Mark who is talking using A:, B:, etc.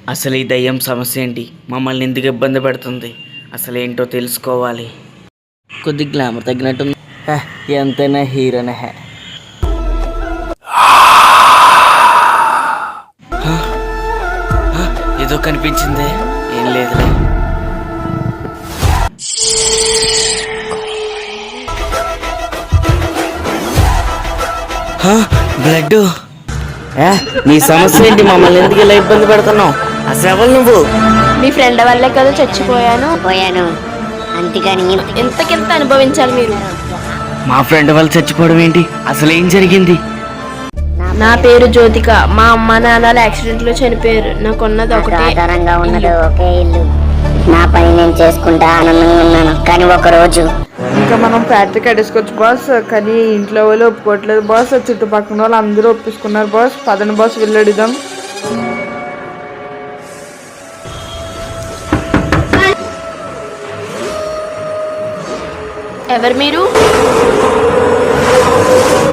A: అసలు ఈ దయ్యం సమస్య ఏంటి? మమ్మల్ని ఎందుకు ఇబ్బంది పెడుతుంది? అసలు ఏంటో తెలుసుకోవాలి. కొద్ది గ్లామర్ తగ్గినట్టుంది. ఎంతైనా హీరోనే. ఏదో కనిపించింది. ఏం లేదులే. బ్లడ్. నీ సమస్య ఏంటి? మమ్మల్ని ఎందుకు ఇలా ఇబ్బంది పెడుతున్నావు? అసలు ఎవరు నువ్వు?
B: మీ ఫ్రెండ్ వల్లే కదా చచ్చిపోయాను.
C: అంతేగాని
B: ఎంతకెంత అనుభవించాలి మీరు.
A: మా ఫ్రెండ్ వాళ్ళు చచ్చిపోవడం ఏంటి? అసలు ఏం జరిగింది?
B: నా పేరు జ్యోతిక. మా అమ్మ నాన్నలు యాక్సిడెంట్ లో చనిపోయారు. నాకున్నది ఒకటే
C: ఆధారంగా ఉన్నది ఒకే ఇల్లు. నా పని నేను చేసుకుంటా ఆనందంగా ఉన్నాను. కానీ ఒక రోజు
D: ఇంకా మనం ఫ్యాక్టరీ కట్టేసుకోవచ్చు బాస్, కానీ ఇంట్లో వాళ్ళు ఒప్పుకోవట్లేదు బాస్. చుట్టుపక్కల వాళ్ళు అందరూ ఒప్పించుకున్నారు బాస్. పదని బాస్ వెళ్ళడిదాం.
B: ఎవరు మీరు?